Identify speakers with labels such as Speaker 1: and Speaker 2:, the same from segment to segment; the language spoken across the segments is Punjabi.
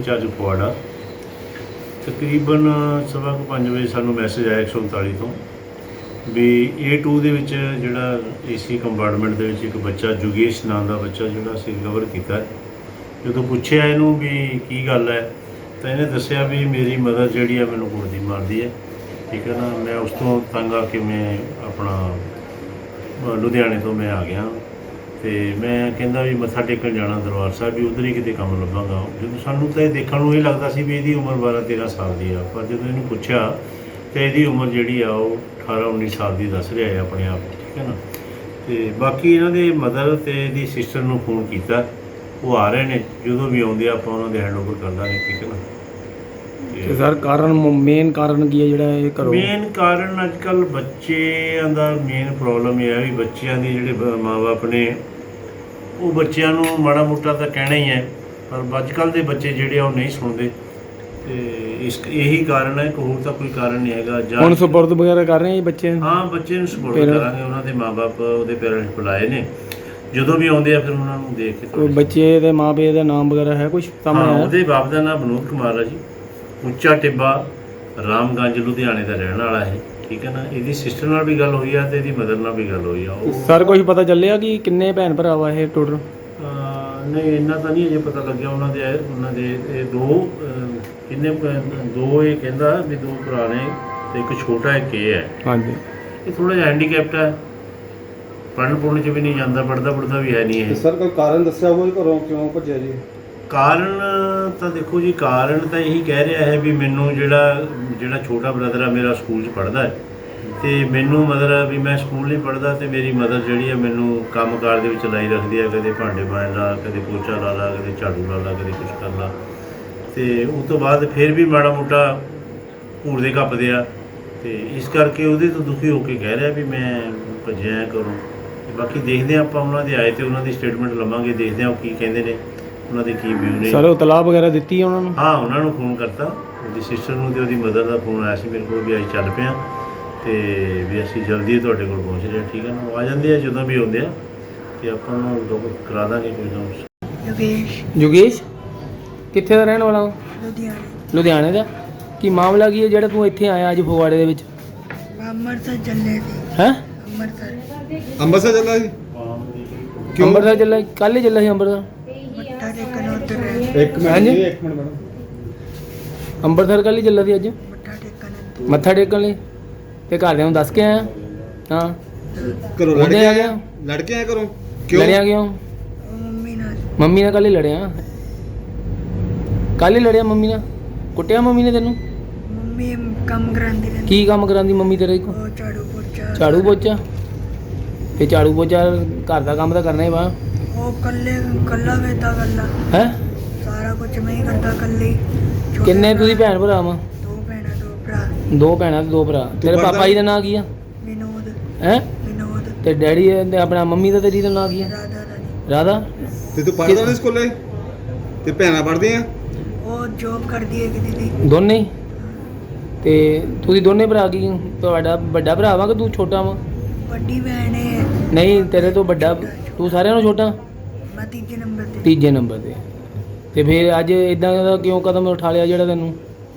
Speaker 1: इंचार्ज फगवाड़ा तकरीबन 5:15 वजे सानू मैसेज आया 139 तो भी A2 ਦੇ ਵਿੱਚ ਜਿਹੜਾ AC ਕੰਪਾਰਟਮੈਂਟ ਦੇ ਵਿੱਚ ਇੱਕ ਬੱਚਾ ਜੁਗੇਸ਼ ਨਾਂ ਦਾ ਬੱਚਾ ਜਿਹੜਾ ਅਸੀਂ ਰਿਕਵਰ ਕੀਤਾ। ਜਦੋਂ ਪੁੱਛਿਆ ਇਹਨੂੰ ਵੀ ਕੀ ਗੱਲ ਹੈ ਤਾਂ ਇਹਨੇ ਦੱਸਿਆ ਵੀ ਮੇਰੀ ਮਦਰ ਜਿਹੜੀ ਹੈ ਮੈਨੂੰ ਕੁੱਟਦੀ ਮਾਰਦੀ ਹੈ, ਠੀਕ ਹੈ ਨਾ। ਮੈਂ ਉਸ ਤੋਂ ਤੰਗ ਆ ਕੇ ਮੈਂ ਆਪਣਾ ਲੁਧਿਆਣੇ ਤੋਂ ਮੈਂ ਆ ਗਿਆ ਤੇ ਮੈਂ ਕਹਿੰਦਾ ਵੀ ਮੱਥਾ ਟੇਕਣ ਜਾਣਾ ਦਰਬਾਰ ਸਾਹਿਬ, ਵੀ ਉੱਧਰ ਹੀ ਕਿਤੇ ਕੰਮ ਲੱਭਾਂਗਾ। ਜਦੋਂ ਸਾਨੂੰ ਤਾਂ ਇਹ ਦੇਖਣ ਨੂੰ ਇਹ ਲੱਗਦਾ ਸੀ ਵੀ ਇਹਦੀ ਉਮਰ 12-13 ਸਾਲ ਦੀ ਆ, ਪਰ ਜਦੋਂ ਇਹਨੂੰ ਪੁੱਛਿਆ ਤਾਂ ਇਹਦੀ ਉਮਰ ਜਿਹੜੀ ਆ ਉਹ 18-19 ਸਾਲ ਦੀ ਦੱਸ ਰਿਹਾ ਹੈ ਆਪਣੇ ਆਪ, ਠੀਕ ਹੈ ਨਾ। ਤੇ ਬਾਕੀ ਇਹਨਾਂ ਦੇ ਮਦਰ ਤੇ ਇਹਦੀ ਸਿਸਟਰ ਨੂੰ ਫੋਨ ਕੀਤਾ, ਉਹ ਆ ਰਹੇ ਨੇ, ਜਦੋਂ ਵੀ ਆਉਂਦੇ ਆਪਾਂ ਉਹਨਾਂ ਦੇ ਹੈਂਡ ਓਵਰ ਕਰ ਦਾਂਗੇ, ਠੀਕ ਹੈ ਨਾ।
Speaker 2: ਤੇ ਸਰ ਕਾਰਨ ਮੇਨ ਕਾਰਨ ਕੀ ਹੈ ਜਿਹੜਾ ਇਹ ਕਰੋ?
Speaker 1: ਮੇਨ ਕਾਰਨ ਅੱਜ ਕੱਲ੍ਹ ਬੱਚਿਆਂ ਦਾ ਮੇਨ ਪ੍ਰੋਬਲਮ ਇਹ ਹੈ ਵੀ ਬੱਚਿਆਂ ਦੇ ਜਿਹੜੇ ਮਾਂ-ਬਾਪ ਨੇ ਉਹ ਬੱਚਿਆਂ ਨੂੰ ਮਾੜਾ ਮੋਟਾ ਤਾਂ ਕਹਿਣਾ ਹੀ ਹੈ, ਪਰ ਅੱਜ ਕੱਲ੍ਹ ਦੇ ਬੱਚੇ ਜਿਹੜੇ ਆ ਉਹ ਨਹੀਂ ਸੁਣਦੇ। ਤੇ ਇਹੀ ਕਾਰਨ ਹੈ, ਹੋਰ ਤਾਂ ਕੋਈ ਕਾਰਨ ਨਹੀਂ ਹੈਗਾ।
Speaker 2: ਹੁਣ ਸਪੁਰਦ ਵਗੈਰਾ ਕਰ ਰਹੇ ਆ ਬੱਚੇ?
Speaker 1: ਹਾਂ, ਬੱਚੇ ਨੂੰ ਸਪੁਰਦ ਕਰਾਂਗੇ। ਉਹਨਾਂ ਦੇ ਮਾਂ-ਬਾਪ ਉਹਦੇ ਪੇਰੈਂਟਸ ਬੁਲਾਏ ਨੇ, ਜਦੋਂ ਵੀ ਆਉਂਦੇ ਆ ਫਿਰ ਉਹਨਾਂ ਨੂੰ ਦੇਖ ਕੇ।
Speaker 2: ਕੋਈ ਬੱਚੇ ਦੇ ਮਾਂ-ਪਿਓ ਦਾ ਨਾਮ ਵਗੈਰਾ ਹੈ ਕੁਝ ਸਾਹਮਣੇ ਆਇਆ?
Speaker 1: ਉਹਦੇ ਬਾਪ ਦਾ ਨਾਮ ਵਿਨੋਦ ਕੁਮਾਰ ਹੈ ਜੀ, ਉੱਚਾ ਟਿੱਬਾ, ਰਾਮਗੰਜ, ਲੁਧਿਆਣੇ ਦਾ ਰਹਿਣ ਵਾਲਾ ਹੈ, ਠੀਕ ਹੈ ਨਾ। ਇਹਦੀ ਸਿਸਟਰ ਨਾਲ ਵੀ ਗੱਲ ਹੋਈ ਆ ਤੇ ਇਹਦੀ ਮਦਰ ਨਾਲ ਵੀ ਗੱਲ ਹੋਈ ਆ।
Speaker 2: ਸਰ ਕੁਝ ਪਤਾ ਚੱਲਿਆ ਕਿ ਕਿੰਨੇ ਭੈਣ ਭਰਾ ਵਾ ਇਹ ਟੋਟਲ?
Speaker 1: ਨਹੀਂ, ਇੰਨਾ ਤਾਂ ਨਹੀਂ ਅਜੇ ਪਤਾ ਲੱਗਿਆ। ਉਹਨਾਂ ਦੇ ਇਹ ਦੋ ਕਿੰਨੇ ਦੋ, ਇਹ ਕਹਿੰਦਾ ਵੀ 2 ਭਰਾ ਨੇ ਤੇ ਇੱਕ ਛੋਟਾ ਇੱਕ ਇਹ ਹੈ।
Speaker 2: ਹਾਂਜੀ,
Speaker 1: ਇਹ ਥੋੜਾ ਜਿਹਾ ਹੈਂਡੀਕੈਪਟ ਹੈ, ਪੜ੍ਹਨ ਚ ਵੀ ਨਹੀਂ ਜਾਂਦਾ, ਪੜ੍ਹਦਾ ਵੀ ਹੈ ਨਹੀਂ ਇਹ।
Speaker 3: ਸਰ ਕੋਈ ਕਾਰਨ ਦੱਸਿਆ ਹੋਵੇ ਘਰੋਂ ਕਿਉਂ ਭੱਜਿਆ ਜੀ?
Speaker 1: ਕਾਰਨ ਤਾਂ ਦੇਖੋ ਜੀ, ਕਾਰਨ ਤਾਂ ਇਹੀ ਕਹਿ ਰਿਹਾ ਹੈ ਵੀ ਮੈਨੂੰ ਜਿਹੜਾ ਛੋਟਾ ਬ੍ਰਦਰ ਆ ਮੇਰਾ ਸਕੂਲ 'ਚ ਪੜ੍ਹਦਾ ਹੈ ਤੇ ਮੈਨੂੰ ਮਦਰ ਵੀ ਮੈਂ ਸਕੂਲ ਨਹੀਂ ਪੜ੍ਹਦਾ ਤੇ ਮੇਰੀ ਮਦਰ ਜਿਹੜੀ ਹੈ ਮੈਨੂੰ ਕੰਮਕਾਰ ਦੇ ਵਿੱਚ ਲਾਈ ਰੱਖਦੀ ਹੈ, ਕਦੇ ਭਾਂਡੇ ਮਾਂਜ ਲਾ, ਕਦੇ ਪੋਚਾ ਲਾ ਲਾ, ਕਦੇ ਝਾੜੂ ਲਾ ਲਾ, ਕਦੇ ਕੁਛ ਕਰ ਲਾ। ਤੇ ਉਸ ਤੋਂ ਬਾਅਦ ਫਿਰ ਵੀ ਮਾੜਾ ਮੋਟਾ ਘੂਰਦੇ ਕੱਪਦੇ ਆ, ਤੇ ਇਸ ਕਰਕੇ ਉਹਦੇ ਤੋਂ ਦੁਖੀ ਹੋ ਕੇ ਕਹਿ ਰਿਹਾ ਵੀ ਮੈਂ ਭੱਜਿਆ ਕਰੂੰ। ਬਾਕੀ ਦੇਖਦੇ ਹਾਂ ਆਪਾਂ, ਉਹਨਾਂ ਦੇ ਆਏ ਤੇ ਉਹਨਾਂ ਦੀ ਸਟੇਟਮੈਂਟ ਲਵਾਂਗੇ, ਦੇਖਦੇ ਹਾਂ ਉਹ ਕੀ ਕਹਿੰਦੇ ਨੇ, ਉਹਨਾਂ ਦੇ ਕੀ ਵਿਊ ਨੇ।
Speaker 2: ਸਰ ਉਹ ਤਲਾਬ ਵਗੈਰਾ ਦਿੱਤੀ ਉਹਨਾਂ ਨੂੰ?
Speaker 1: ਹਾਂ, ਉਹਨਾਂ ਨੂੰ ਫੋਨ ਕਰਤਾ, ਉਹਦੀ ਸਿਸਟਰ ਨੂੰ ਤੇ ਉਹਦੀ ਮਦਰ ਦਾ ਫੋਨ ਆਇਆ ਸੀ ਮੇਰੇ ਕੋਲ ਵੀ ਅਸੀਂ ਚੱਲ ਪਏ ਹਾਂ ਤੇ ਵੀ ਅਸੀਂ ਜਲਦੀ ਤੁਹਾਡੇ ਕੋਲ ਪਹੁੰਚ ਰਹੇ ਹਾਂ, ਠੀਕ ਹੈ ਨਾ। ਉਹ ਆ ਜਾਂਦੇ ਆ ਜਦੋਂ ਵੀ ਆਉਂਦੇ ਆ ਤੇ ਆਪਾਂ ਉਹਨੂੰ ਕਰਾ ਦਾਂਗੇ ਕੋਈ ਨਾ।
Speaker 2: ਜੁਗੇਸ਼ ਕਿੱਥੇ ਦਾ ਰਹਿਣ ਵਾਲਾ? ਲੁਧਿਆਣੇ ਦਾ। ਕੀ ਮਾਮਲਾ ਕੀ ਹੈ ਜਿਹੜਾ ਤੂੰ ਇੱਥੇ ਆਇਆ ਅੱਜ ਫਗਵਾੜੇ ਦੇ ਵਿੱਚ?
Speaker 4: ਅੰਮ੍ਰਿਤਸਰ ਚੱਲੇ ਸੀ।
Speaker 2: ਹੈ?
Speaker 3: ਅੰਮ੍ਰਿਤਸਰ ਚੱਲਾ ਸੀ?
Speaker 2: ਕਿਉਂ ਅੰਮ੍ਰਿਤਸਰ ਚੱਲਾ? ਕੱਲ੍ਹ ਹੀ ਚੱਲਾ ਸੀ ਅੰਮ੍ਰਿਤਸਰ।
Speaker 4: ਮੱਥਾ ਟੇਕਣ ਉੱਧਰ
Speaker 3: ਇੱਕ ਮਿੰਟ ਮੈਡਮ,
Speaker 2: ਅੰਮ੍ਰਿਤਸਰ ਕੱਲ੍ਹ ਹੀ ਚੱਲਾ ਸੀ ਅੱਜ
Speaker 4: ਮੱਥਾ ਟੇਕਣ
Speaker 2: ਲਈ? ਤੇ ਘਰਦਿਆਂ ਨੂੰ ਦੱਸ ਕੇ ਆਇਆ? ਹਾਂ,
Speaker 3: ਘਰੋਂ ਲੜ ਕੇ ਆਇਆ? ਲੜ ਕੇ ਆਇਆ ਘਰੋਂ? ਕਿਉਂ
Speaker 2: ਲੜਿਆ ਕਿਉਂ? ਮੰਮੀ ਨਾਲ ਕੱਲ੍ਹ ਹੀ ਲੜਿਆ? ਕੱਲ੍ਹ ਹੀ ਲੜਿਆ ਮੰਮੀ ਨਾਲ? ਕੁੱਟਿਆ ਮੰਮੀ ਨੇ ਤੈਨੂੰ?
Speaker 4: ਮੰਮੀ ਕੰਮ ਕਰਾਂਦੀ ਰਹਿੰਦੀ।
Speaker 2: ਕੀ ਕੰਮ ਕਰਾਂਦੀ ਮੰਮੀ ਤੇਰੇ ਕੋਲ?
Speaker 4: ਉਹ
Speaker 2: ਝਾੜੂ ਪੋਚਾ। ਤੇ ਝਾੜੂ ਪੋਚਾ ਘਰ ਦਾ ਕੰਮ ਤਾਂ ਕਰਨਾ ਹੀ ਵਾ।
Speaker 4: ਉਹ ਕੱਲਾ ਵੇਦਾ ਕੱਲਾ
Speaker 2: ਹੈ?
Speaker 4: ਸਾਰਾ ਕੁਝ ਮੈਂ ਹੀ ਕਰਦਾ ਕੱਲੇ।
Speaker 2: ਕਿੰਨੇ ਤੁਸੀਂ ਭੈਣ ਭਰਾ ਵਾ?
Speaker 4: 2 ਭੈਣਾਂ 2 ਭਰਾ।
Speaker 2: 2 ਭੈਣਾਂ ਤੇ 2 ਭਰਾ। ਤੇਰੇ ਪਾਪਾ ਜੀ ਦਾ ਨਾਂ ਕੀ ਆ?
Speaker 4: ਵਿਨੋਦ।
Speaker 2: ਹੈ?
Speaker 4: ਵਿਨੋਦ।
Speaker 2: ਤੇ ਡੈਡੀ ਤੇ ਆਪਣਾ ਮੰਮੀ ਦਾ ਤੇਰੀ ਦਾ ਨਾਂ ਕੀ ਆ? ਰਾਧਾ।
Speaker 3: ਤੇ ਤੂੰ ਪੜ੍ਹਦਾ ਨਹੀਂ ਸਕੂਲੇ? ਤੇ ਭੈਣਾਂ ਪੜ੍ਹਦੀਆਂ?
Speaker 4: ਉਹ ਜੋਬ ਕਰਦੀ ਹੈ ਕਿ ਦੀਦੀ।
Speaker 2: ਦੋਨੇ ਹੀ? ਤੇ ਤੁਸੀਂ ਦੋਨੇ ਭਰਾ ਕੀ? ਤੁਹਾਡਾ ਵੱਡਾ ਭਰਾ ਵਾ ਕਿ ਤੂੰ ਛੋਟਾ ਵਾ?
Speaker 4: ਵੱਡੀ ਭੈਣ ਹੈ।
Speaker 2: ਨਹੀਂ, ਤੇਰੇ ਤੋਂ ਵੱਡਾ ਤੂੰ ਸਾਰਿਆਂ ਨਾਲੋਂ ਛੋਟਾ?
Speaker 4: ਮੈਂ ਤੀਜੇ ਨੰਬਰ ਤੇ।
Speaker 2: ਤੀਜੇ ਨੰਬਰ ਤੇ। ਤੇ ਫਿਰ ਅੱਜ ਇਦਾਂ ਦਾ ਕਿਉਂ ਕਦਮ ਉਠਾ ਲਿਆ ਜਿਹੜਾ ਤੈਨੂੰ?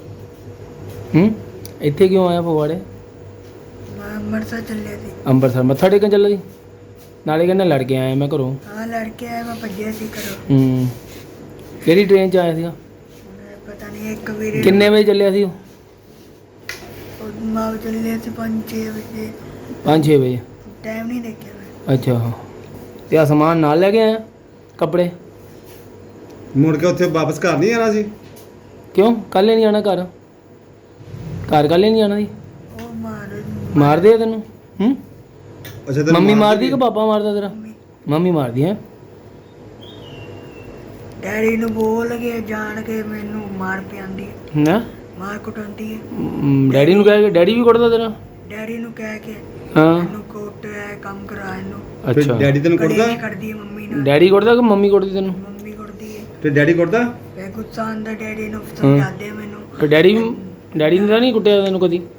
Speaker 2: ਇੱਥੇ ਕਿਉਂ ਆਇਆ ਫਗਵਾੜੇ?
Speaker 4: ਮੈਂ ਅੰਮ੍ਰਿਤਸਰ ਚੱਲਿਆ ਸੀ।
Speaker 2: ਅੰਮ੍ਰਿਤਸਰ ਮੱਥਾ ਟੇਕਣ ਚੱਲਾ ਸੀ? ਨਾਲੇ ਕਹਿੰਦਾ ਲੜ ਕੇ ਆਇਆ ਮੈਂ ਘਰੋਂ।
Speaker 4: ਹਾਂ, ਲੜ ਕੇ ਆਇਆ, ਮੈਂ ਭੱਜਿਆ ਸੀ ਘਰੋਂ।
Speaker 2: ਕਿਹੜੀ ਟ੍ਰੇਨ 'ਚ ਆਇਆ ਸੀਗਾ?
Speaker 4: ਪਤਾ ਨਹੀਂ, ਇੱਕ ਵੀਰੇ
Speaker 2: ਕਿੰਨੇ ਵਜੇ ਚੱਲਿਆ ਸੀ ਉਹ?
Speaker 4: ਮਾਂ ਚੱਲਿਆ ਸੀ 5-6 ਵਜੇ।
Speaker 2: 5-6 ਵਜੇ?
Speaker 4: ਟਾਈਮ ਨਹੀਂ ਦੇਖਿਆ ਮੈਂ।
Speaker 2: ਅੱਛਾ। ਤੇ ਆ ਸਮਾਨ ਨਾਲ ਲੈ ਕੇ ਆਇਆ? ਕੱਪੜੇ?
Speaker 3: ਮੁੜ ਕੇ ਉੱਥੇ ਵਾਪਸ ਘਰ ਨਹੀਂ ਆਣਾ ਸੀ?
Speaker 2: ਕਿਉਂ ਕੱਲ੍ਹ ਨਹੀਂ ਆਉਣਾ ਘਰ? ਘਰ ਕੱਲ੍ਹ ਨਹੀਂ ਆਉਣਾ ਸੀ?
Speaker 4: ਉਹ
Speaker 2: ਮਾਰਦੇ ਆ ਤੈਨੂੰ?
Speaker 3: ਅੱਛਾ, ਤੇ
Speaker 2: ਮੰਮੀ ਮਾਰਦੀ ਕਿ ਪਾਪਾ ਮਾਰਦਾ ਤੇਰਾ? ਮੰਮੀ ਮਾਰਦੀ ਹੈ?
Speaker 4: ਡੈਡੀ ਨੂੰ ਬੋਲ ਕੇ ਜਾਣ ਕੇ ਮੈਨੂੰ ਮਾਰ ਪਿਆਉਂਦੀ ਹੈ।
Speaker 2: ਨਾ
Speaker 4: ਮਾਰ ਕੁੱਟਾਉਂਦੀ ਹੈ।
Speaker 2: ਡੈਡੀ ਨੂੰ ਕਹਿ ਕੇ? ਡੈਡੀ ਵੀ ਕੁੱਟਦਾ ਤੇਰਾ?
Speaker 4: ਡੈਡੀ ਨੂੰ ਕਹਿ ਕੇ
Speaker 2: ਹਾਂ।
Speaker 4: ਇਹਨੂੰ ਕੋਟ ਹੈ, ਕੰਮ ਕਰਾ ਇਹਨੂੰ।
Speaker 2: ਅੱਛਾ।
Speaker 3: ਡੈਡੀ ਤੈਨੂੰ ਕੁੱਟਦਾ?
Speaker 4: ਕਲੇਸ਼ ਕਰਦੀ ਹੈ ਮੰਮੀ ਨਾਲ।
Speaker 2: ਡੈਡੀ ਕੁੱਟਦਾ ਕਿ ਮੰਮੀ ਕੁੱਟਦੀ ਤੈਨੂੰ?
Speaker 4: ਮੰਮੀ ਕੁੱਟਦੀ ਹੈ।
Speaker 3: ਤੇ ਡੈਡੀ ਕੁੱਟਦਾ?
Speaker 4: ਫੇ ਗੁੱਸਾ ਆਉਂਦਾ ਡੈਡੀ ਨੂੰ, ਸਮਝਾਉਂਦੇ ਮੈਨੂੰ।
Speaker 2: ਤੇ ਡੈਡੀ ਨੇ ਤਾਂ ਨਹੀਂ ਕੁੱਟਿਆ ਤੈਨੂੰ ਕਦੀ?